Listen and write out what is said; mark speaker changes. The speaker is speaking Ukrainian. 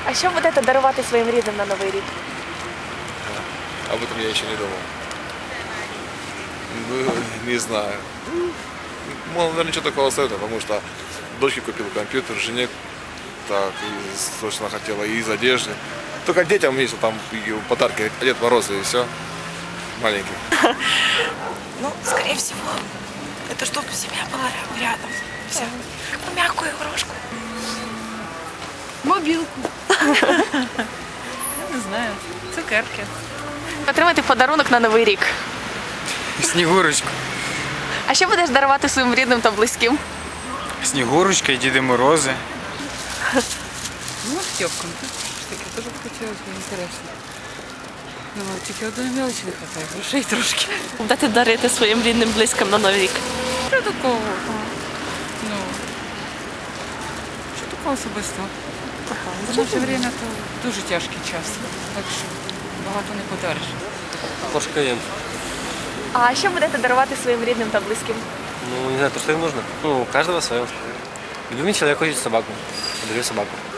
Speaker 1: А що будете дарувати своїм рідним на Новий рік?
Speaker 2: Об этом я еще не думал. Ну, не знаю. Мол, наверное, ничего такого советую, потому что дочке купил компьютер, жене так, и точно хотела, и из одежды. Только детям есть там и подарки, Дед Мороз и все. Маленький.
Speaker 3: Ну, скорее всего, это чтобы семья была рядом. Вся. Какую мягкую игрушку.
Speaker 4: Мобілку. Я не знаю. Цукерки.
Speaker 1: Отримати подарунок на Новий рік.
Speaker 5: Снігурочку.
Speaker 1: А що будеш дарувати своїм рідним та близьким?
Speaker 5: Снігурочка і Діди Морози.
Speaker 4: Ну, Степкам. Таке теж б хотілося б, інтересно. Ну, тільки одної мелочі не вистачає, грошей трошки.
Speaker 1: Будете дарити своїм рідним близьким на Новий рік?
Speaker 4: Що такого? Ну, що такого особистого? В наше время то дуже тяжкий час, так що багато не подариш.
Speaker 6: Porsche Cayenne.
Speaker 1: А що будете дарувати своїм рідним та близьким?
Speaker 6: Ну, не знаю, то, что им нужно. Ну, у каждого свое. Любимый человек хочет собаку. Подарю собаку.